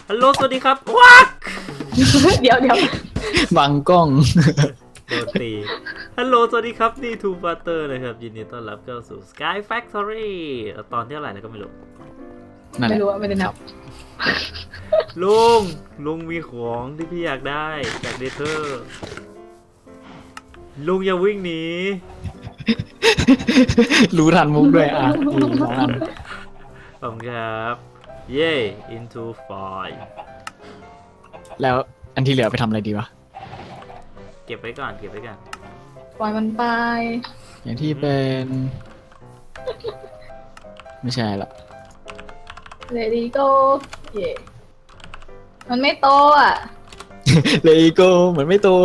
ฮัลโหลสวัสดีครับวักเดี๋ยวบังกล้องโดนตีฮัลโหลสวัสดีครับนี่ทูบัตเตอร์นะครับยินดีต้อนรับเข้าสู่ Sky Factory ตอนที่เท่าไหร่แล้วก็ไม่รู้นั่นแหไม่ละรู้ว่าไม่ได้นับลุงมีของที่พี่อยากได้จากเดเธอร์ลุงอย่าวิ่งหนีรู้ทันมุกด้วยอ่ะดีสองอันขอบคุณครับเย่ into file แล้วอันที่เหลือไปทำอะไรดีวะเก็บไว้ก่อนเก็บไว้ก่อนปล่อยมันไปอย่างที่เป็น ไม่ใช่ละ Let it go เย่มันไม่โตอ่ะเลโก้เหมือนไม่โต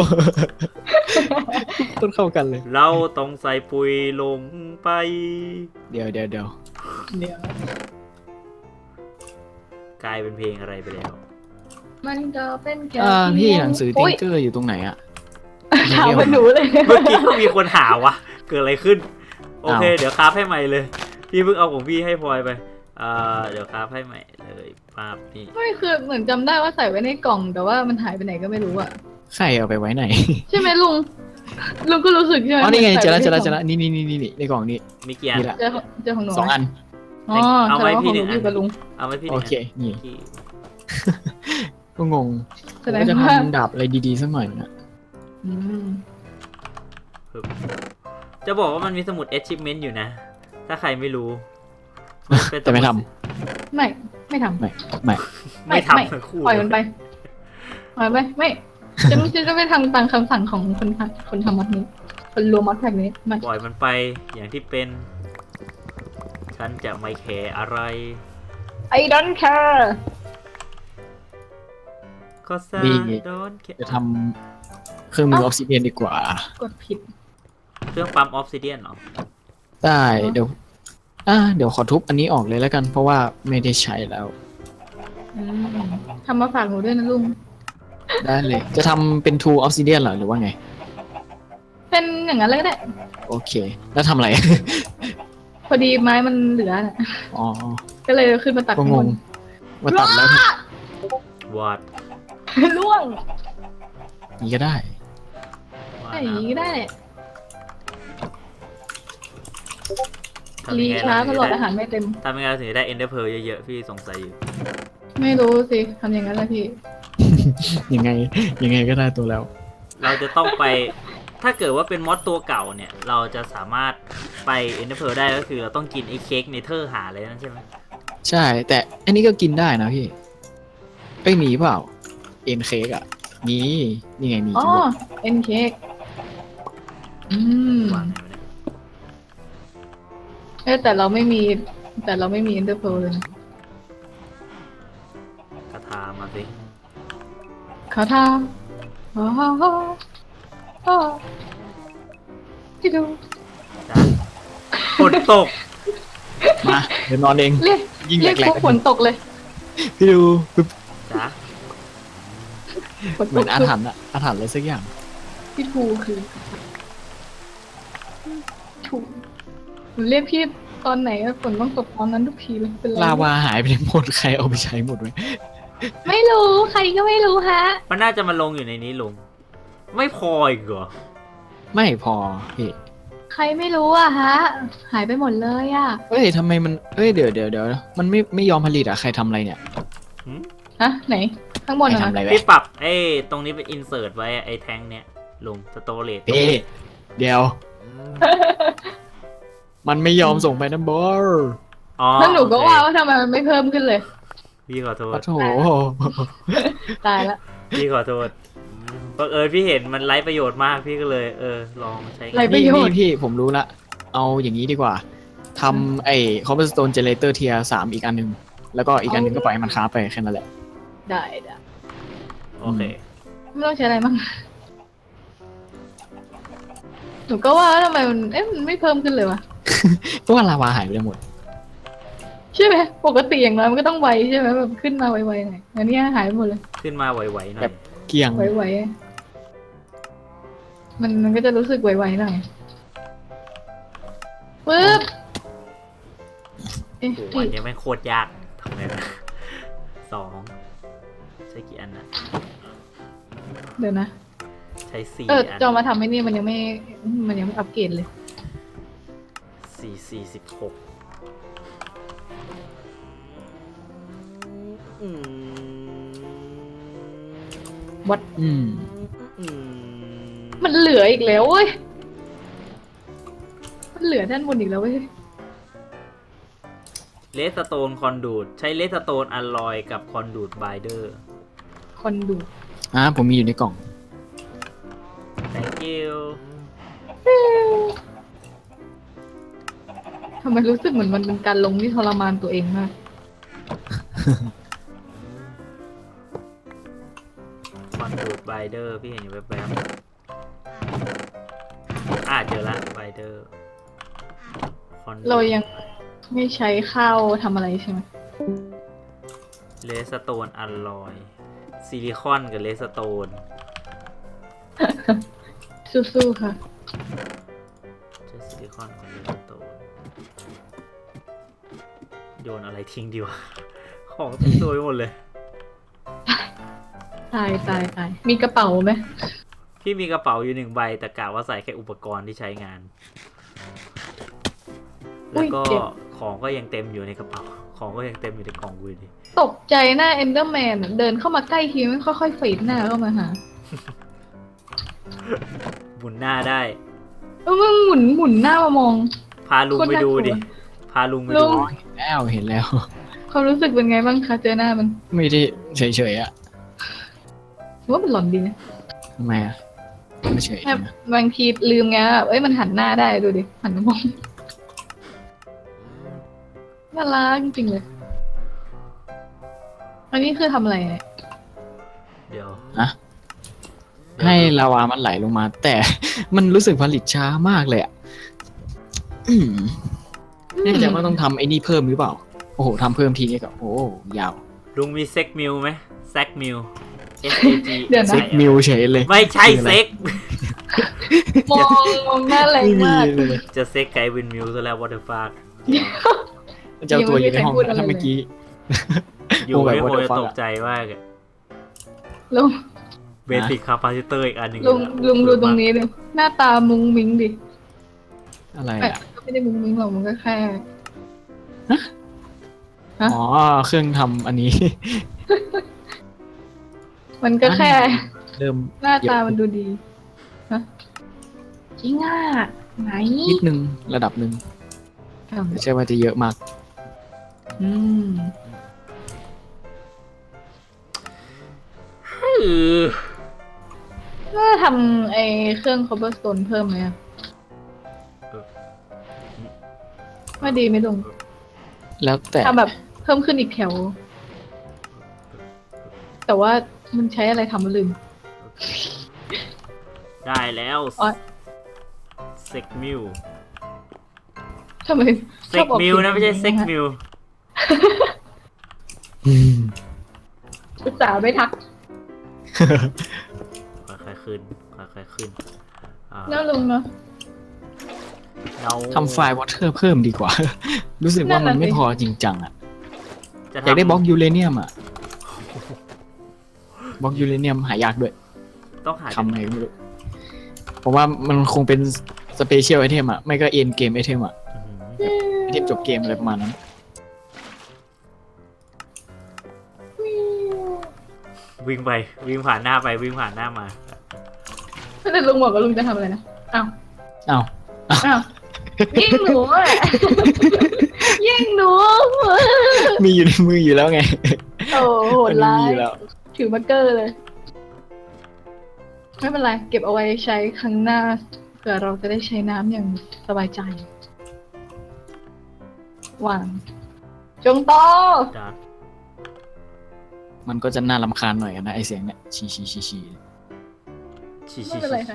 ต้นเข้ากันเลยเราต้องใส่ปุ๋ยลงไปเดี๋ยวเดี๋ยวกลายเป็นเพลงอะไรไปแล้วมันก็เป็นแค่พี่หนังสือติ๊กเกอร์อยู่ตรงไหนอะถามมันหนูเลยเมื่อกี้ก็มีคนหาวะ เกิดอะไรขึ้น โอเคอ้าวเดี๋ยวคราฟให้ใหม่เลย พี่เพิ่งเอาของพี่ให้พลอยไปเดี๋ยวคราฟให้ใหม่เลยภาพนี่ไม่คือเหมือนจำได้ว่าใส่ไว้ในกล่องแต่ว่ามันหายไปไหนก็ไม่รู้อ่ะใครเอาไปไว้ไหนใช่ไหมลุงก็รู้สึกใช่ไหมอ๋อนี่ไงเจอแล้วใส่ไว้ในกนี่ในกล่องนี้มีกี่อันนี่แหละเจอของหนูสองอันอ๋อเอาแสไว้ดงว่าพี่ของหหนึ่นูงอันอยู่กับลุงเอาไว้พี่หโอนึ่งเค นี่พี่ก็งงแสดงว่าจะว่าทำดาบอะไรดีๆสักหน่อยนะอืมจะบอกว่ามันมีสมุด achievement อยู่นะ ถ้าใครไม่รู้เป็นแต่ไม่ทไม่ทำำไม่ไม่ทำทั้งคู่ปล่อยมันไปไม่ฉันจะไม่ทำตามคำสั่งของคนทำมัดนี้คนรวมมัดแพ็กนี้ไม่ปล่อยมันไปอย่างที่เป็น ฉันจะไม่แคร์อะไร I don't care ก็ซาดีโดนแคร์จะทำเครื่องมือออฟซิเดียนดีกว่ากดผิดเครื่องปั๊มออฟซิเดียนเหรอได้เดี๋ยวขอทุบอันนี้ออกเลยแล้วกัน เพราะว่าไม่ได้ใช้แล้วอืมทำมาฝากหนูด้วยนะลุงได้เลย จะทำเป็นทูออฟซิเดียนเหรอหรือว่าไงเป็นอย่างนั้นเลยก็ได้โอเค แล้วทำอะไรพอดีไม้มันเหลือน่ะอ๋อก็เลยขึ้นมาตัดก็ข้างงบงนว่าตัดแล้ววอดล่วงนี่ก็ได้ไอ้อย่างนี้ก็ได้ทำรียังไงช้าเราตถึงลอดจะอาหารไม่เต็มทำยังไงเราถึงจะได้ Ender Pearl เยอะๆ พี่สงสัยอยู่ไม่รู้สิทำอย่างนั้นแหละพี่ยังไงก็ได้ตัวแล้วเราจะต้องไป ถ้าเกิดว่าเป็นมอดตัวเก่าเนี่ย เราจะสามารถไป Ender Pearl ได้ก็คือเราต้องกินไอ้เค้กเนเธอร์หาเลยนั่นใช่ไหมใช่ แต่อันนี้ก็กินได้นะพี่มีเปล่า เอ็นเค้กอ่ะ นี่ไงมีอ๋อจริงด้วยเอ็นเค้กวางไหนวะเนี่ยแต่เราไม่มีเอ็นเดอร์เพลเลยนะกระทามาสิเขาทำอ๋อที่ดูจ้าฝนตกมาเดี๋ยวนอนเองเรียกยิ่งแหเรียกลพกวกฝนตกเลยๆพี่ดูปึ๊บจ้าฝนเหตมือก นอาถรรพ์อะอาถรรพ์อะไรสักอย่างพี่ทูคือถูกหนูเรียกพี่ตอนไหนฝนต้องตกตอนนั้นทุกทีเลยเป็นไรลาวาหายไปทั้งหมดใครเอาไปใช้หมดไหมไม่รู้ใครก็ไม่รู้ฮะมันน่าจะมาลงอยู่ในนี้ลุง ไม่พออีกเหรอไม่พอพี่ใครไม่รู้อะฮะ หายไปหมดเลยอะเอ้ยทำไมมันเดี๋ยวมันไม่ยอมผลิตอะใครทำอะไรเนี่ยฮะไหน ข้างบนใครอะทำอะไรนะไว้พี่ปรับไอ้ตรงนี้ไปอินเสิร์ตไว้ไอ้แทงเนี่ยลุงสโตเรจพี่เดี๋ยว มันไม่ยอมส่งไปนะบอสอ๋อแล้วหนูก็โอเคว่าทำไมมันไม่เพิ่มขึ้นเลยพี่ขอโทษปะโถตายละพี่ขอโทษบังเอิญพี่เห็นมันไร้ประโยชน์มากพี่ก็เลยลองใช้ไรประโยชน์พี่ผมรู้ละเอาอย่างนี้ดีกว่าทำไอ้ cobblestone generator tier 3อีกอันหนึง แล้วก็อีกอันหนึงก็ปล่อยให้มันค้าไปแค่นั้นแหละได้โอเคไม่ต้องใช้อะไรมั้งหนูก็ว่าทำไมมันไม่เพิ่มขึ้นเลยวะเพราะว่าลาวาหายไปหมดใช่ไหมปกติอย่างน้อยมันก็ต้องไวใช่ไหมแบบขึ้นมาไวๆหน่อยอันนี้หายไปหมดเลยขึ้นมาไหวๆหน่อแบยบ เกลียงไวๆมันก็จะรู้สึกไวๆหน่อยปึ๊บเอ๊ะโอ้โหอันนี้แม่งโคตรยากทำไงนะ2 ใช้กี่อันนะเดี๋ยวนะใช้4 จะอันเอามาทำให้นี่มันยังไม่อัปเกรดเลย 4 4 16อืมวัดอืมอืมมันเหลืออีกแล้วเว้ย มันเหลือด้านบนอีกแล้วเว้ยเลสโตนคอนดูดใช้เลสโตนอลลอยกับคอนดูดไบเดอร์คอนดูผมมีอยู่ในกล่อง thank you ทำไมรู้สึกเหมือนมันเป็นการลงที่ทรมานตัวเองมากคอนดูดไบเดอร์พี่เห็นอยู่แวบๆเจอละไบเดอร์คอนเรายังไม่ใช้ข้าวทำอะไรใช่ไหมเลสโตนอลลอยซิลิคอนกับเลสโตนสู้ๆค่ะใช้ซิลิคอนกับเลสโตนโยนอะไรทิ้งดีวะ ของทิ้งโดยหมดเลยตาย มีกระเป๋าไหมพี่มีกระเป๋าอยู่1 ใบแต่กะว่าใส่แค่อุปกรณ์ที่ใช้งาน แล้วก็ของก็ยังเต็มอยู่ในกระเป๋า ของก็ยังเต็มอยู่ในกล่องกูอยู่ดีตกใจหน้าเอนเดอร์แมนเดินเข้ามาใกล้ทีมันค่อยๆฝีดหน้าเข้ามาหาหมุนหน้าได้มึงหมุนหน้ามามองพาลุงไปดูดิ พาลุงไปลุดูงเห็นแล้วความรู้สึกเป็นไงบ้างคะเจอหน้ามันไม่ได้เฉยๆอ่ะว่ามันหลอนดีนะทำไมอ่ะไม่เฉยแค่นะบางทีลืมไงว่ามันหันหน้าได้ดูดิหันมามองน่ารักจริงๆเลย อันนี้คือทำอะไรเนี่ยเดี๋ยวให้ลาวามันไหลลงมา แต่ มันรู้สึกผลิตช้ามากเลยอ่ะแน่ใจว่าต้องทำไอ้นี่เพิ่มหรือเปล่า โอ้โหทำเพิ่มทีนี้ก็โอ้โหยาวลุงมีเซ็กมิลไหมแซกมิล S A G เดี๋ยวนะเซ็กมิวเฉยเลยไม่ใช่เซ็กมองหน้าแรงไม่มีมากเลยจะเซ็กไกวินมิลซะแล้ววอเตอร์ฟาร์เจ้าตัวอยู่ในห้องยังไม่มีใครพูดอะไรถ้าเมื่อกี้อยู่โอ้ไม่แบบควร what the จะ fuck ตกใจมากอะลุงเบสิกคาปาซิเตอร์อีกอันหนึ่งลุงดูตรงนี้ดิหน้าตามุ้งมิ้งดิอะไรแต่อ่ะก็ไม่ได้มุ้งมิ้งหรอกมันก็แค่ ฮะอ๋อ เครื่องทำอันนี้มันก็แค่เริ่มหน้าตามันดูดีฮะจริงอ่ะไหนนิดนึงระดับหนึ่งไม่ใช่ว่าจะเยอะมากอืมอือน่าทำไอ้เครื่อง cobblestone เพิ่มไหมอะว่าดีไหมลุงแล้วแต่ทำแบบเพิ่มขึ้นอีกแถว แต่ว่ามันใช้อะไรทำลืมได้แล้วอ๋อเซ็กมิลทำไมเซ็กมิลนะไม่ใช่เซ็กมิลอืมศึกษาไม่ทักค่อยๆขึ้นค่อยๆขึ้นอ่าแล้วลุงเนาะเราทำไฟล์วอเตอร์เพิ่มดีกว่า รู้สึกว่ามันไม่พอจริงจังอ่ะจะอยากได้ทำบล็อกยูเรเนียมอ่ะ บล็อกยูเรเนียมหายากด้วยต้องหาทำไงก็ไม่รู้เพราะว่ามันคงเป็นสเปเชียลไอเทมอ่ะ ไม่ก็เอ็นเกมไอเทมอ่ะ ไอเทมจบเกมอะไรประมาณนั้นวิ่งไปวิ่งผ่านหน้าไปวิ่งผ่านหน้ามาแต่ลุงบอกว่าลุงจะทำอะไรนะ อ้าวอ้าวอ้าวยิงหนูอ่ะ ยิงหนูมีอยู่ในมืออยู่แล้วไงโอ้โหดร้ามียอยู่แล้วถือมาร์กเกอร์เลย ไม่เป็นไร เก็บเอาไว้ใช้ครั้งหน้าเผื่อเราจะได้ใช้น้ำอย่างสบายใจวางจงโตจัดมันก็จะน่ารำคาญหน่อยนะไอเสียงเนี่ยชีชีชีชีชีไม่ชีเป็นไรค่ะ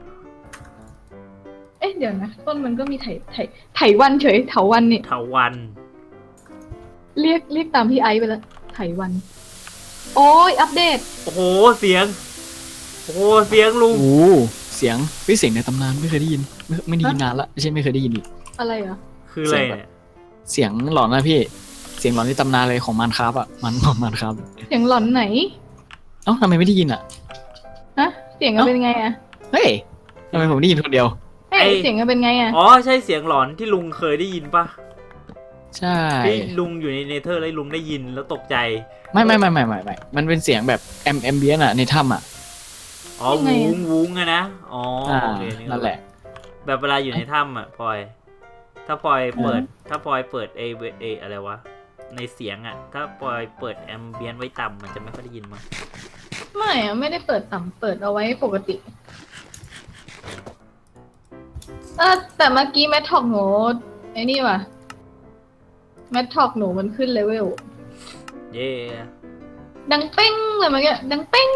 เอ๊ะเดี๋ยวนะ ต้นมันก็มีไถวันเฉยเถาวันนี่เถาวันเรียกตามพี่ไอซ์ไปแล้วไถวัน โอ้ยอัปเดตโอ้โหเสียงโอ้โหเสียงลุงโอ้เสียงเสียงในตำนานไม่เคยได้ยิน ไม่ได้ยินนานละไม่ใช่ไม่เคยได้ยินอีกอะไรเหรอคืออะไรเนี่ยเสียงหลอนนะพี่ เสียงหลอนในตำนานเลยของมันครับอ่ะมันครับเสียงหลอนไหนเอ้าทำไมไม่ได้ยินอ่ะฮะเสียงมันเป็นไงอะเฮ้ยทำไมผมได้ยินคนเดียวเฮ้ยเสียงมันเป็นไงอะอ๋อใช่เสียงหลอนที่ลุงเคยได้ยินปะใช่ที่ลุงอยู่ในเนเธอร์แล้วลุงได้ยินแล้วตกใจไม่มันเป็นเสียงแบบแอมเบียนอะในถ้ำอะอ๋อวุ้งวุ้งอะนะอ๋อโอเคนั่นแหละแบบเวลาอยู่ในถ้ำอะพลอย ถ้าพลอยเปิด ถ้าพลอยเปิดเออะไรวะในเสียงอะถ้าพลอยเปิดแอมเบียนไว้ต่ำมันจะไม่ค่อยได้ยินมั้งไม่อะไม่ได้เปิดต่ำเปิดเอาไว้ปกติแต่เมื่อกี้แมทท็อกหนูไอ้นี่ว่ะแมทท็อกหนูมันขึ้นเลเวลเย่ดังเป้งเลยเมื่อกี้ดังเป้ง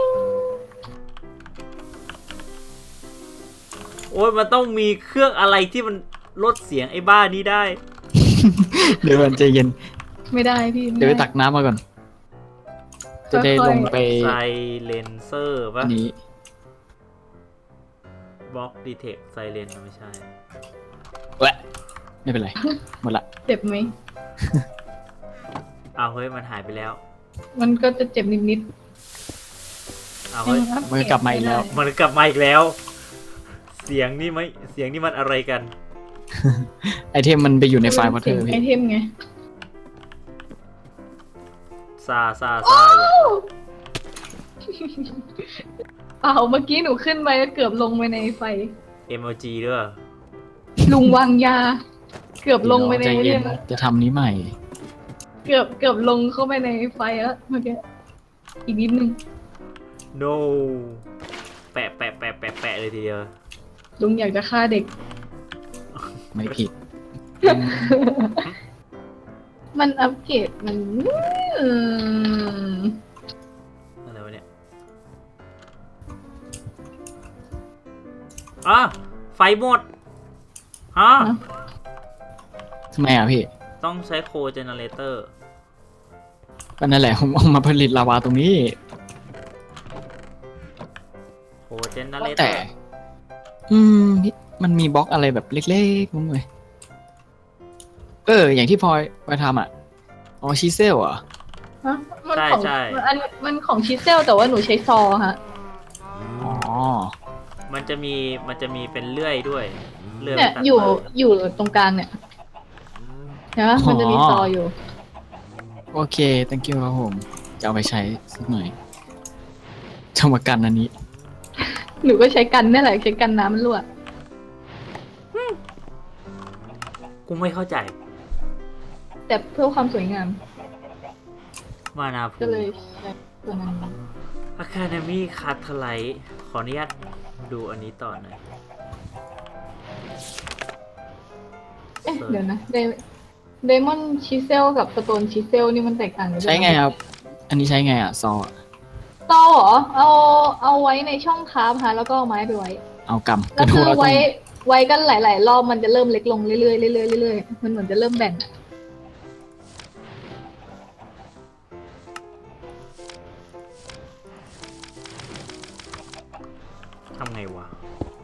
โอ้ยมันต้องมีเครื่องอะไรที่มันลดเสียงไอ้บ้านี้ได้เดี๋ยวมันใจเย็นไม่ได้พี่เดี๋ยวไปตักน้ำมาก่อน จะได้ลงไปไซเลนเซอร์ปะอันนี้บล็อกดีเทคไซเลนไม่ใช่แหละไม่เป็นไร หมดละเจ็บไหมอ้าวเฮ้ยมันหายไปแล้วมันก็จะเจ็บนิดอ้าวๆเฮ้ยมันกลับมาอีกแล้วมันกลับมาอีกแล้ว เสียงนี่ไหมเสียงนี่มันอะไรกันไอเทมมันไปอยู่ในไฟล์วอเตอร์ไอพี่เทมไงซาเปล่าเมื่อกี้หนูขึ้นไปแล้วเกือบลงไปในไฟ MLG ด้วยลุงวางยา เกือบลงไปในใจเย็เนี่ยนจะทำนี้ใหม่เกือบลงเข้าไปในไฟแล้วเมื่อกี้อีกนิดนึง no แปะเลยทีเดียวลุงอยากจะฆ่าเด็กไม่ผิดมันอัปเกรดมันอะไรวะเนี่ยอ่ะไฟหมดฮะทำไมอ่ะพี่ต้องใช้โคเจเนเรเตอร์ก็นั่นแหละผมเอามาผลิตลาวาตรงนี้โคเจเนเรเตแต่อร์มันมีบล็อกอะไรแบบเล็กๆมั้งเลยอย่างที่พลอยไปทำอ่ะ อ๋อชิเซลอ่ะฮะมันของมันของชิเซลแต่ว่าหนูใช้ซอฮะอ๋อมันจะมีเป็นเลื่อยด้วยเลื่อยเนี่ยตัดอยู่ตรงกลางเนี่ยเห็นปะมันจะมีซออยู่โอเค thank you ครับผม จะเอาไปใช้สักหน่อยจะมากันอันนี้หนูก็ใช้กันนี่แหละใช้กันน้ำมันรั่วกูไม่เข้าใจแต่เพื่อความสวยงามมานาพูก็เลยใช้ตัวนั้นอะคาเดมี่คาร์ทไลท์ขออนุญาตดูอันนี้ต่อหน่อยเอ๊ะเดี๋ยวนะเดมอนชิเซลกับสโตนชิเซลนี่มันแตกต่างกันใช้ไงครับ อันนี้ใช้ไงอ่ะ ซอซอเหรอเอาไว้ในช่องคราฟฮะแล้วก็เอาไม้ไปไว้เอากำแล้วคือว่าต้องไว้กันหลายๆรอบมันจะเริ่มเล็กลงเรื่อยๆเรื่อยๆเรื่อยๆมันเหมือนจะเริ่มแบ่งอะทำไงวะ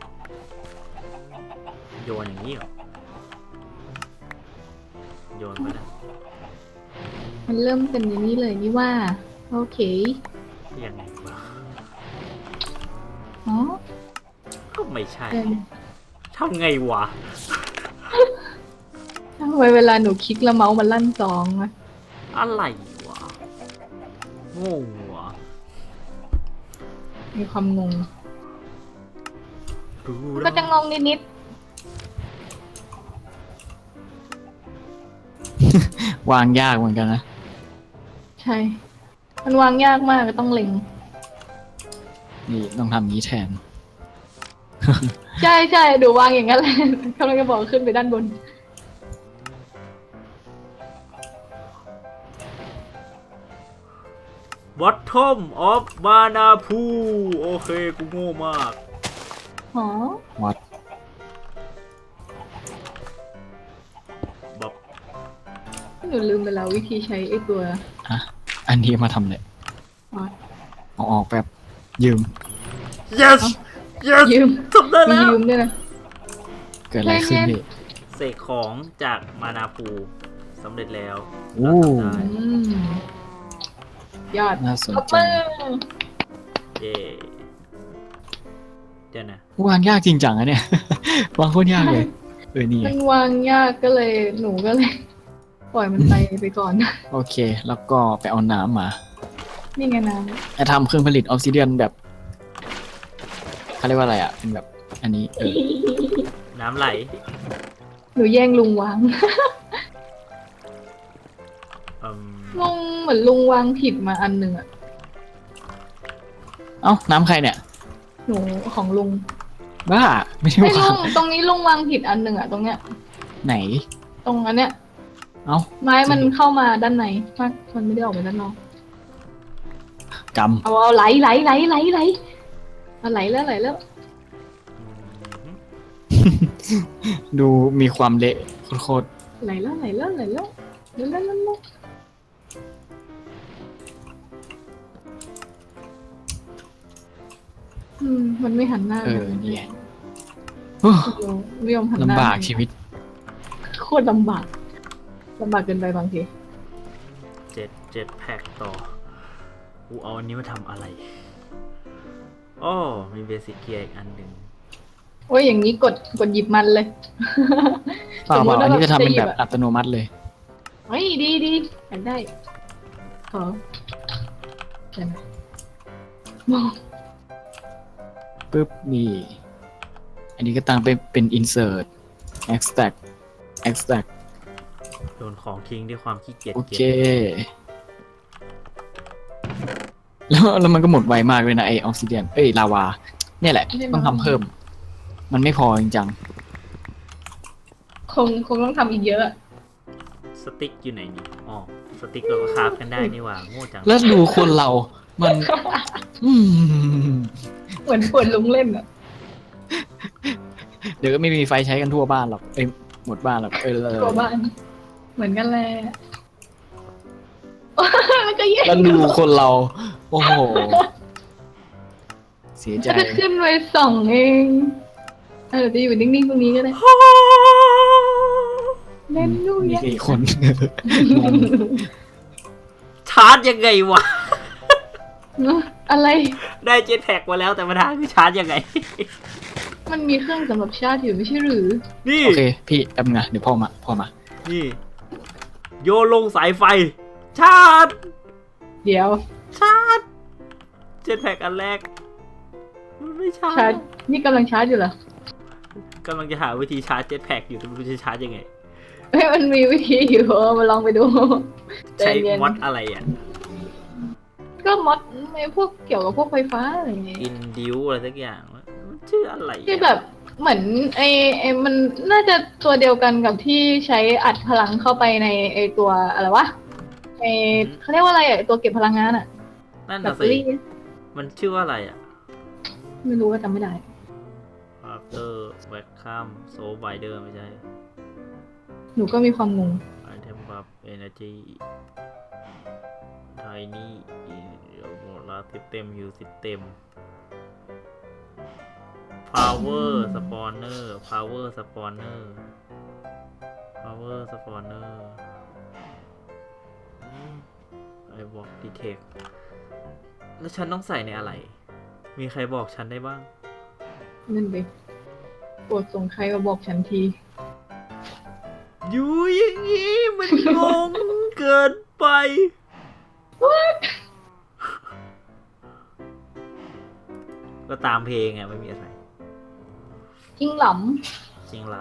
โยนอย่างนี้เหรอ โยนไปนะมันเริ่มเป็นอย่างนี้เลยนี่ว่า โอเคยังไงวะอ๋อก็ไม่ใช่เออทำไงวะทำไมเวลาหนูคลิกแล้วเมาส์มันลั่นจองอะอะไรวะงงวะมีความงงรู้ก็จะงงนิดวางยากเหมือนกันนะๆใช่ มันวางยากมากต้องเล็งนี่ต้องทำอย่างนี้แทนใช่ใช่ดูวางอย่างนั้นแหละกำลังจะบอกขึ้นไปด้านบนบอททอมออฟมานาพูโอเค กูโง่มากอ๋อวัดแบบหนูลืมไปแล้ววิธีใช้ไอ้ตัวอันนี้มาทำเลยอ๋อเอาออกแบบยืม yes yes ยืมทำได้มีแล้วยืมด้วยนะเกิดอะไรขึ้นพี่เสกของจากมานาพูสำเร็จแล้วโอ้ได้อืมยอดน่าสนขอบใจมือเย่เดี๋ยวนะวางยากจริงจังอะเนี่ย วางโคตรยากเลยนี่ไงมันวางยากก็เลยหนูก็เลย ปล่อยมันไปก่อนโอเค แล้วก็ไปเอาน้ำมานี่ไงนะจะทำเครื่องผลิตออฟซิเดียนแบบเขาเรียกว่าอะไรอ่ะ เป็นแบบอันนี้น้ำไหลหนูแย่งลุงวางอืมลุงเหมือนลุงวางผิดมาอันหนึ่งอะเอ้า น้ำใครเนี่ยหนูของลุงบ้า ไม่ใช่ไอ้ยว่าลุงตรงนี้ลุงวางผิดอันหนึ่งอะตรงเนี้ยไหนตรงอันเนี้ยเอ้าไม้มันเข้ามาด้านในมันไม่ได้ออกมาด้านนอกกเอาไหลเอาไหลแล้วำดูมีความเละโคตรไหลแล้วมันไม่หันหน้านี่ไงโอ้ไม่ยอมหันหน้าลำบากชีวิตโคตรลำบากเกินไปบางทีเจ็ดแพ็กต่อกูเอาอันนี้มาทำอะไรอ้อมีเบสิกเกียร์อีกอันหนึ่งโอ้ยอย่างนี้กดหยิบมันเลยเปล่าสมมุติว่าอันนี้จะทำเป็นจะหยิแบบ บอะอัตโนมัติเลยเฮ้ยดีอยากได้ขอใช่ไหมมองปึ๊บนี่ อันนี้ก็ตั้งเป็น insert extract โดนของทิ้งด้วยความขี้เกียจโอเก็เคบแล้วมันก็หมดไวมากเลยนะไอออกซิเดียนลาวา เนี่ยแหละ ต้องทำเพิ่ม มันไม่พอจริงจังคงต้องทำอีกเยอะสติ๊กอยู่ไหนนี่อ๋อสติ๊กเราก็คราฟกันได้นี่หว่าโง่จังแล้วดูคนเรา มัน อืมเหมือนปวดลุงเล่นอะเดี๋ยวก็ไม่มีไฟใช้กันทั่วบ้านหรอก หมดบ้านหรอกตัวบ้าน เหมือนกันแหละแล้วก็แย่แล้วดูคนเรา โอ้โห เสียใจจะขึ้นไปส่องเองจะอยู่นิ่งๆตรงนี้ก็ได้เล่นดูมีเนี่ยกี่คนชาร์จยังไงวะอะไรได้เจ็ตแพ็กมาแล้วแต่ปัญหาคือชาร์จยังไงมันมีเครื่องสำหรับชาร์จอยู่ไม่ใช่หรือนี่โอเค พี่แป๊บนึงนะเดี๋ยวพ่อมานี่โยนลงสายไฟ ชาร์จเดี๋ยวชาร์จเจ็ตแพ็กอันแรกมันไม่ชาชาร์ร์จจนี่กำลังชาร์จอยู่เหรอกำลังจะหาวิธีชาร์จเจ็ตแพ็กอยู่แต่ไม่รู้จะชาร์จยังไงเฮ้ยมันมีวิธีอยู่มาลองไปดูใช้ใจเย็นมอดอะไรอ่ะก็มอดไม่พวกเกี่ยวกับพวกไฟฟ้าอะไรอย่างเงี้ยอินดิวอะไรสักอย่างมันชื่ออะไรอะที่แบบเหมือนไอมันน่าจะตัวเดียวกันกับที่ใช้อัดพลังเข้าไปในไอตัวอะไรวะเขาเรียกว่าอะไรตัวเก็บพลังงานอะนั่นแบน่ะตเตอสิรี่มันชื่อว่าอะไรอ่ะไม่รู้ว่าจำไม่ได้ after vacuum so wider ไม่ใช่หนูก็มีความงง item buff energy tiny โหมดละ system use system power spawner power spawner power spawner I walk detect แล้วฉันต้องใส่ในอะไร มีใครบอกฉันได้บ้างนั่นเด็กโปรดส่งใครมาบอกฉันทีอยู่อย่างนี้มันงงเกินไป ก็ตามเพลงอ่ะไม่มีอะไรจริงหลจริงเรา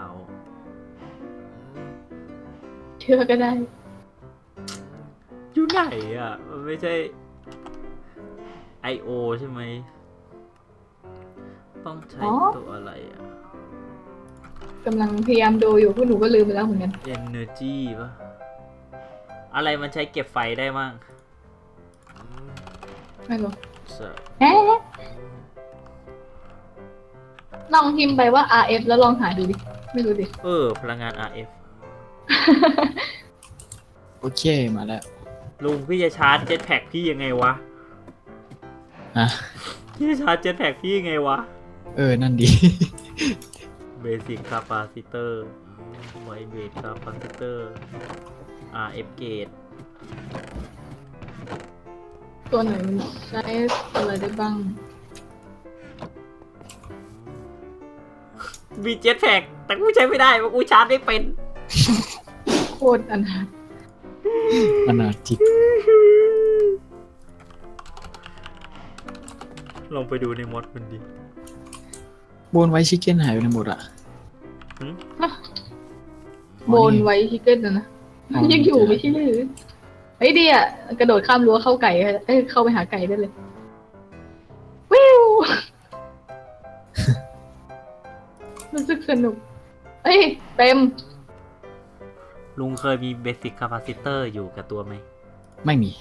ำเชื่อก็ได้อยู่ไหนอ่ะ มันไม่ใช่ I.O. ใช่ไหม ต้องใช้ตัวอะไรอ่ะกำลังพยายามดูอยู่พวกหนูก็ลืมไปแล้วเหมือนกัน Energy ป่ะ อะไรมันใช้เก็บไฟได้มั่งไม่รู้ So เอ๊ะลองพิมพ์ไปว่า RF แล้วลองหาดูดิ ไม่รู้ดิพลังงาน RF โอเคมาแล้วลุงพี่จะชาร์จเจ็ตแพ็กพี่ยังไงวะอ่ะพี่จะชาร์จเจ็ตแพ็กพี่ยังไงวะนั่นดี Basic Capacitor Wide Base Capacitor RF Gate ตัวไหนมันใช้อะไรได้บ้างมีเจ็ตแพ็กแต่กูใช้ไม่ได้เพราะกูชาร์จไม่เป็นโคตรอนาถอนาจิกลองไปดูในมอดมันดิโบนไว้ชิคเก้นหายไปในหมดอ่ะโบนไว้ชิคเก้นนะยังอยู่ไม่ใช่หรือเฮ้ยดีอ่ะกระโดดข้ามรั้วเข้าไก่เข้าไปหาไก่ได้เลยวิว รู้สึกสนุกเอ้ยเต็มลุงเคยมีเบสิกคาปาซิเตอร์อยู่กับตัวไหมไม่มี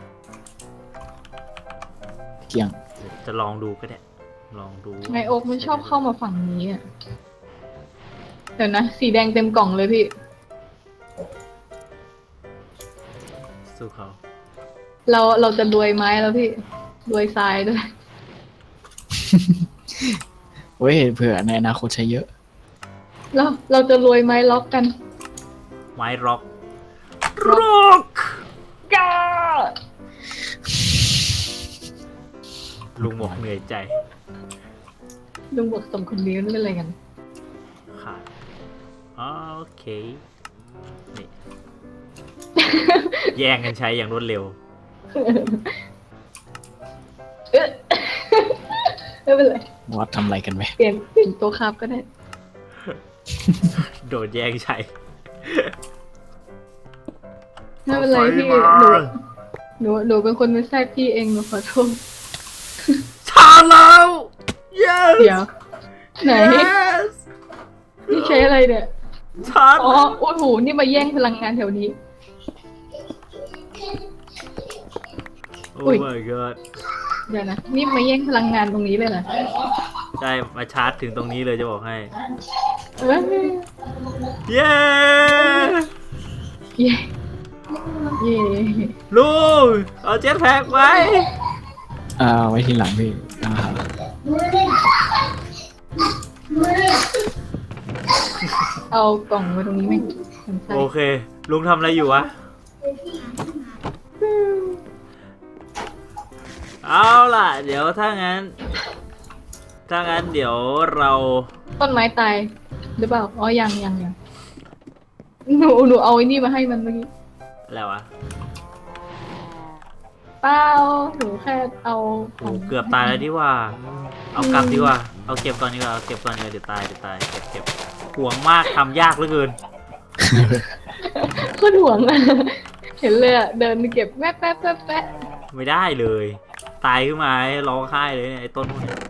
เกี่ยงจะลองดูก็ได้ลองดูไงโอ๊กมันชอบเข้ามาฝั่งนี้อ่ะเดี๋ยวนะสีแดงเต็มกล่องเลยพี่สู้เขาเราจะรวยไม้แล้วพี่รวยทรายด้วยเว้ยเผื่อในอนาคตใช้เยอะเราจะรวยไม้ล็อกกันไม้ร็อกร็อกก้าลุงบอกเหนื่อยใจลุงบอกสมคนนี้นั่นเป็นอะไรกันค่ะโอเคนี่ แย่งกันใช้อย่างรวดเร็วเอ๊ะ ไม่เป็นไรวัดทำอะไรกันไหมเปลี่ยนตัวคาบก็ได้โดนแย่งใช้ไม่เป็นไรพี่ไฟมาหนูเป็นคนไม่แทรกพี่เองหนูขอโทษชาแล้ว yes เดี๋ยวไหน yes นี่ใช้อะไรเนี่ยชาอ๋อโอ้โหนี่มาแย่งพลังงานแถวนี้โอ้อุ๊ย my god เดี๋ยวนะนี่มาแย่งพลังงานตรงนี้เลยเหรอใช่มาชาร์จถึงตรงนี้เลยจะบอกให้เอ้ยเย้เย่เย่ลุงเอาเจ็ตแพ็กไว้ไว้ทีหลังพี่เอากล่องมาตรงนี้ไหมสนใจโอเค ลุงทำอะไรอยู่วะ เอาล่ะ เดี๋ยวถ้างั้นเดี๋ยวเราต้นไม้ตายหรือเปล่าอ๋อยังหนูเอาไอ้นี่มาให้มันเมื่อกี้อะไรวะเปล่าหนูแค่เอาขโอ้องเกือบตายแล้วดีว่า เอากลับดีกว่า เอาเก็บก่อนดีกว่า เอาเก็บก่อนดีกว่าเดี๋ยวตายเก็บห่วงมากทำยากเหลือเกินโคตรห่วงอะเห็นเลยอะเดินไปเก็บแป๊ะไม่ได้เลย ตายขึ้นมาให้ร้องไห้เลยเนี่ยไอ้ต้นพวกนี้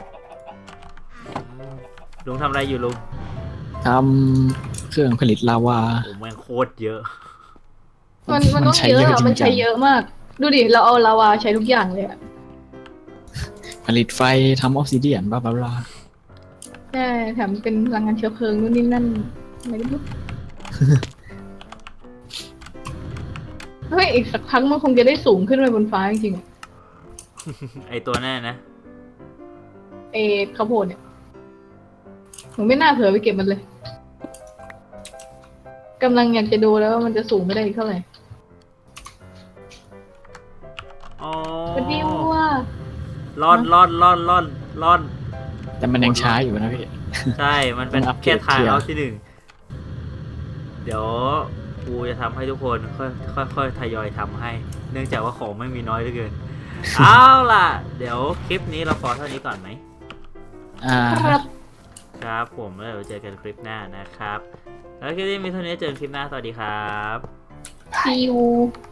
ลุงทำอะไรอยู่ลุงทำเครื่องผลิตลาวาโอ้แม่งโคตรเยอะมันต้องเยอะอะมันใช้เยอะมาก ดูดิเราเอาลาวาใช้ทุกอย่างเลยอะผลิตไฟทำออฟซิเดียนบลาบลาใช่แถมเป็นพลังงานเชื้อเพลิงนู่นนี่นั่นไม่รู้ เฮ้ยอีกสักพักมันคงจะได้สูงขึ้นไปบนฟ้าจริงๆอะไอ้ตัวแน่นะเอข้าวโพดเนี่ยหนูไม่น่าเผลอไปเก็บมันเลยกำลังอยากจะดูแล้วว่ามันจะสูงไม่ได้อีกเท่าไหร่อ๋อวันนี้ว่าร่อนแต่มันยังช้าอยู่นะพี่ใช่ มันเป็นต้องอัปเกรแค่ดทางเทียร์เอาที่หนึ่ง เดี๋ยวกูจะทำให้ทุกคนค่อยทยอยทำให้ เนื่องจากว่าของไม่มีน้อยเหลือเกิน เอาล่ะ เดี๋ยวคลิปนี้เราพอเท่านี้ก่อนไหมครับครับผมแล้วเดี๋ยวเจอกันคลิปหน้านะครับ แล้วคลิปนี้มีเท่านี้เจอกันคลิปหน้าสวัสดีครับ see you